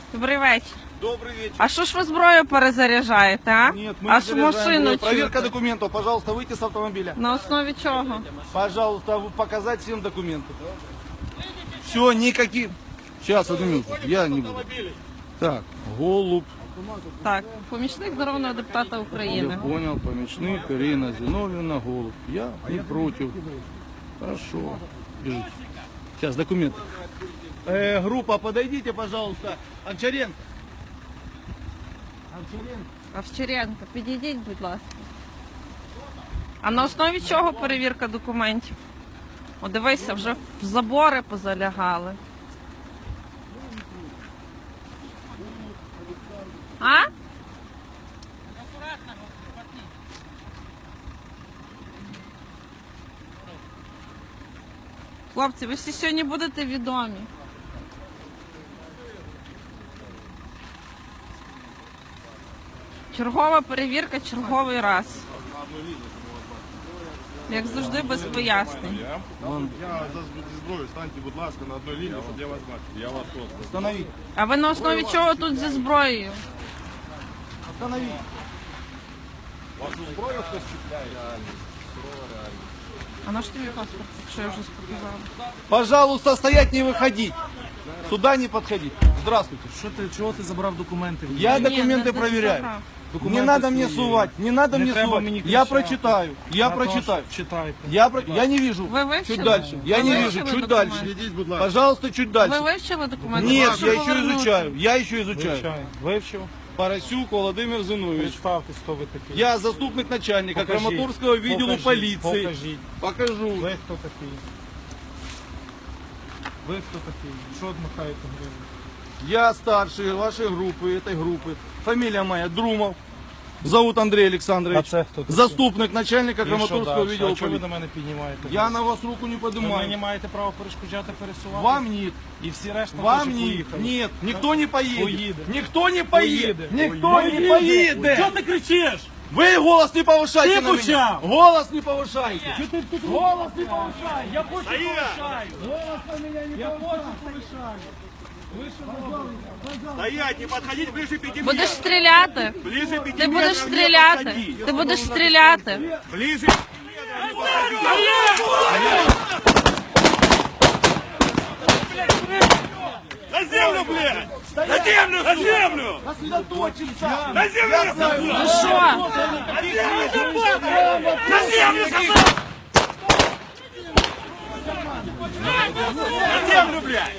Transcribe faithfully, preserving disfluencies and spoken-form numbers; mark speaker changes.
Speaker 1: Добрий вечір.
Speaker 2: Добрый вечер.
Speaker 1: А що ж ви зброю перезаряджаєте, а?
Speaker 2: Нет, мы
Speaker 1: Аж
Speaker 2: не заряжаем
Speaker 1: машину
Speaker 2: ее. Проверка
Speaker 1: чути.
Speaker 2: документов. Пожалуйста, выйти с автомобиля.
Speaker 1: На основі чого?
Speaker 2: Пожалуйста, вы- показать всем документы. Все, никаких. Сейчас, одну минуту. Я не буду. Так, голуб.
Speaker 1: Так, помічник народного депутата
Speaker 2: Я
Speaker 1: України.
Speaker 2: понял, помічник, Ирина Зиновьевна, голуб. Я не против. Хорошо. Бежите. Сейчас, документы. Э, группа, подойдите, пожалуйста. Анчаренко. Анчаренко.
Speaker 1: Овчаренко, підійдіть, будь ласка. А на основі чого перевірка документів? О, дивися, вже в забори позалягали. А? Хлопці, ви всі сьогодні будете відомі. Чергова перевірка, черговий раз. Як завжди, без пояснень.
Speaker 3: Я за зброю, станьте, будь ласка, на одній лінії, щоб я вас бачив. Я вас просто.
Speaker 2: Остановить.
Speaker 1: А ви на основі чого тут зі зброєю?
Speaker 2: Остановить.
Speaker 3: Вашу зброю хтось чіпляє?
Speaker 1: А на що тобі паспорт, якщо я вже показала?
Speaker 2: Пожалуйста, стоять, не выходить. Сюда не подходить. Здравствуйте.
Speaker 4: Що ти, чого ти забрав документи?
Speaker 2: Я
Speaker 1: Ні,
Speaker 2: документы
Speaker 1: не- не
Speaker 2: проверяю.
Speaker 1: забрав.
Speaker 2: Не
Speaker 4: Документи
Speaker 2: надо мне
Speaker 4: свої.
Speaker 2: сувать, не надо
Speaker 4: Не
Speaker 2: мне
Speaker 4: треба
Speaker 2: сувать.
Speaker 4: мені
Speaker 2: Я
Speaker 4: кричати.
Speaker 2: прочитаю, я
Speaker 4: Наташ,
Speaker 2: прочитаю.
Speaker 4: Читайте.
Speaker 2: Я, про... я не вижу.
Speaker 1: Ви вивчили?
Speaker 2: Чуть дальше. Я
Speaker 1: Ви
Speaker 2: не
Speaker 1: вивчили
Speaker 2: вижу, чуть
Speaker 1: документи?
Speaker 2: дальше.
Speaker 3: Ідіть, будь ласка.
Speaker 2: Пожалуйста, чуть
Speaker 1: Ви
Speaker 2: дальше.
Speaker 1: вивчили документи?
Speaker 2: Нет,
Speaker 1: Прошу
Speaker 2: я еще
Speaker 1: повернути.
Speaker 2: изучаю. Я еще изучаю.
Speaker 4: Вивчаю. Вивчив.
Speaker 2: Парасюк Володимир Зинович.
Speaker 4: Представте, хто ви такий.
Speaker 2: Я заступник начальника
Speaker 4: Покажіть.
Speaker 2: Краматорского відділу
Speaker 4: Покажіть.
Speaker 2: полиции.
Speaker 4: Покажіть.
Speaker 2: Покажу.
Speaker 4: Ви хто такий? Ви хто такий? Що одмахаєте гривень?
Speaker 2: Я старший вашей группы, этой группы. Фамилия моя Друмов. Зовут Андрей Александрович.
Speaker 4: А це хто такий?
Speaker 2: Заступник начальника
Speaker 4: І що
Speaker 2: Краматорского
Speaker 4: дальше?
Speaker 2: відділу
Speaker 4: А чого ви
Speaker 2: полиции.
Speaker 4: до мене піднімаєте?
Speaker 2: Я на вас руку не
Speaker 4: Ви мені
Speaker 2: поднимаю.
Speaker 4: маєте право перешкоджати пересувати?
Speaker 2: Вам нет.
Speaker 4: І всі решта
Speaker 2: Вам
Speaker 4: теж
Speaker 2: нет.
Speaker 4: поїхали.
Speaker 2: Нет. Никто не поедет.
Speaker 4: Поїде.
Speaker 2: Никто не поедет.
Speaker 4: Поїде.
Speaker 2: Никто не поедет.
Speaker 4: Чого ти кричиш?
Speaker 2: Вы голос не повышайте
Speaker 4: Ты
Speaker 2: на меня.
Speaker 4: почав.
Speaker 2: Голос не повышайте. Голос не повышайте.
Speaker 4: Я хочу повишаю.
Speaker 2: Голос на меня не
Speaker 4: Я
Speaker 2: повышайте.
Speaker 4: хочу повишаю.
Speaker 3: Стоять, не подходить ближе пяти
Speaker 1: Будеш
Speaker 3: метров.
Speaker 1: стріляти?
Speaker 3: Ближе пяти
Speaker 1: Ти будеш
Speaker 3: метров не
Speaker 1: стріляти?
Speaker 3: подходи.
Speaker 1: Ти будеш стріляти?
Speaker 3: Ближе пяти метров не подходи. На землю, блядь! На землю, на землю!
Speaker 2: Сосредоточимся.
Speaker 3: На землю!
Speaker 1: Ну що?
Speaker 3: На землю, на землю, сказал! На землю, блядь!